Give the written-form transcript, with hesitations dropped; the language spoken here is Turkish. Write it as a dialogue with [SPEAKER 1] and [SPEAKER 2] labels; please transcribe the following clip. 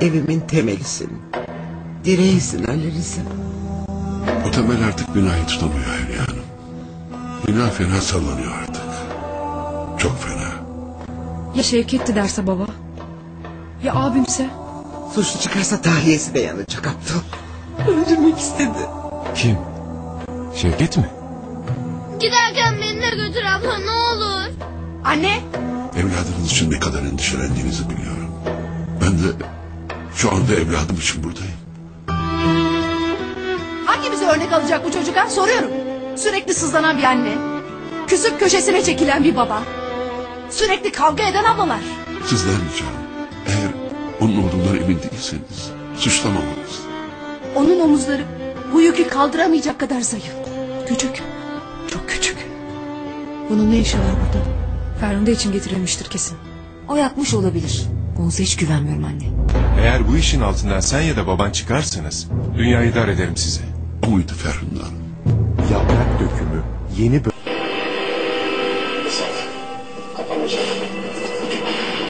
[SPEAKER 1] Evimin temelisin. Direğisin Ali Rıza.
[SPEAKER 2] O temel artık binayı tutamıyor Hülya Hanım. Bina fena sallanıyor artık. Çok fena.
[SPEAKER 3] Ya Şevket'ti derse baba? Ya abimse?
[SPEAKER 1] Suçlu çıkarsa tahliyesi de yanacak aptal. Öldürmek istedi.
[SPEAKER 4] Kim? Şevket mi?
[SPEAKER 5] Giderken beni de götür abla ne olur.
[SPEAKER 3] Anne!
[SPEAKER 2] Evladınız için ne kadar endişelendiğinizi biliyorum. Ben de şu anda evladım için buradayım.
[SPEAKER 6] Hangimize örnek alacak bu çocuk ha? Soruyorum. Sürekli sızlanan bir anne. Küsüp köşesine çekilen bir baba. Sürekli kavga eden ablalar.
[SPEAKER 2] Sizlenmeyeceğim. Eğer onun olduğundan emin değilseniz suçlamamanız.
[SPEAKER 6] Onun omuzları bu yükü kaldıramayacak kadar zayıf. Küçük. Çok küçük. Bunun ne işi var burada?
[SPEAKER 3] Ferhunde için getirilmiştir kesin.
[SPEAKER 7] O yapmış olabilir. Oğuz'a hiç güvenmiyorum anne.
[SPEAKER 4] Eğer bu işin altından sen ya da baban çıkarsanız dünyayı dar ederim size.
[SPEAKER 2] O muydu Ferhunde Hanım?
[SPEAKER 8] Yaprak Dökümü yeni bölüm.